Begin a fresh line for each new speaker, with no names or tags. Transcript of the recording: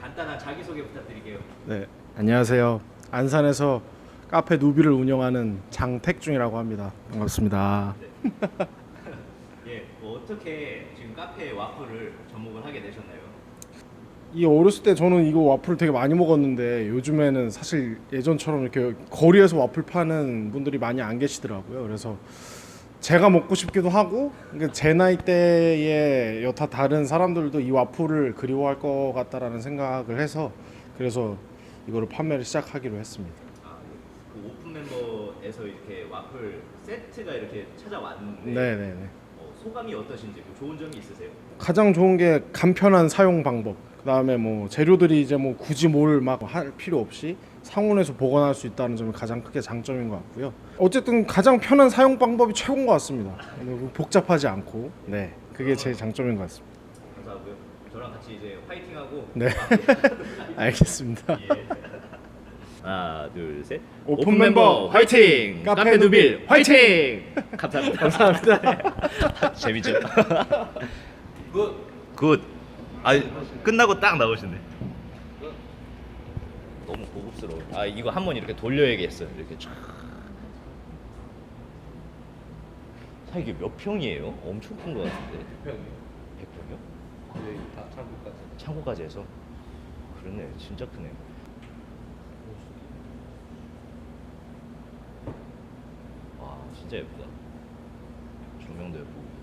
간단한 자기소개 부탁드릴게요.
네, 안녕하세요. 안산에서 카페 누비를 운영하는 장택중이라고 합니다. 반갑습니다.
예, 어떻게 지금 카페 와플을 접목을 하게 되셨나요?
이 어렸을 때 저는 이거 와플 되게 많이 먹었는데 요즘에는 사실 예전처럼 이렇게 거리에서 와플 파는 분들이 많이 안 계시더라고요. 그래서 제가 먹고 싶기도 하고 그러니까 제 나이대의 여타 다른 사람들도 이 와플을 그리워할 것 같다라는 생각을 해서 그래서 이거를 판매를 시작하기로 했습니다.
아, 그 오픈 멤버에서 이렇게 와플 세트가 이렇게 찾아왔는데
네네네.
소감이 어떠신지 뭐 좋은 점이 있으세요?
가장 좋은 게 간편한 사용 방법. 그다음에 뭐 재료들이 이제 뭐 굳이 뭘 막 할 필요 없이 상온에서 보관할 수 있다는 점이 가장 크게 장점인 것 같고요. 어쨌든 가장 편한 사용 방법이 최고인 것 같습니다. 복잡하지 않고, 네, 그게 제 장점인 것 같습니다.
감사하고요. 저랑 같이 이제 화이팅하고
네, 알겠습니다.
예. 하나, 둘, 셋.
오픈 멤버 화이팅! 카페 누빌
화이팅! 감사합니다.
감사합니다.
재밌죠? 굿. 아, 끝나고 딱 나오시네. 너무 고급스러워. 아, 이거 한번 이렇게 돌려야겠어요. 이렇게 쫙. 사 이게 몇 평이에요? 엄청 큰 것 같은데. 100평이요? 100평이요?
네, 다 창고까지.
창고까지 해서. 그러네. 진짜 크네. 와, 진짜 예쁘다. 조명도 예쁘고.